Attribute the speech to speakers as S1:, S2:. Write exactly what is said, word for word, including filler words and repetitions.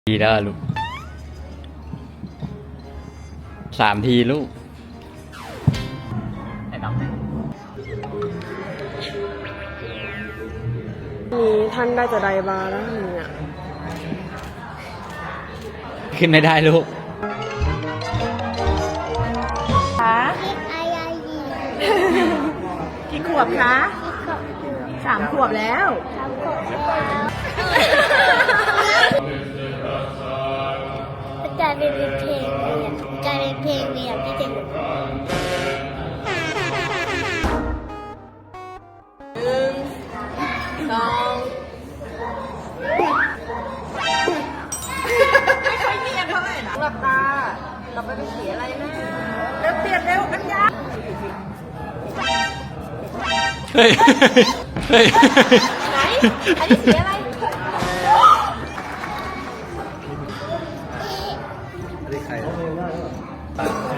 S1: ทีแล้วลูกสามทีลูกไอ้น้อง
S2: นี้ท่านได้จะไดบาร์แล้วเนี่ย
S1: ขึ้นไม่ได้ลูก
S2: คะกี่ขวบคะสามขวบแล้ว
S3: กลายเป็นเพลงเรียนกลายเป็นเพลงเรียนที่เด็กหนึ่ง
S2: สองไม่ค่อยเนียนเท่าไหร่นะหลับตาเราไปเป็นสีอะไรนะเร็วเปลี่ยนเร็วอัญญา
S1: เฮ้ยเฮ้ย
S2: ไหนอันนี้สีอะไร
S1: ใคร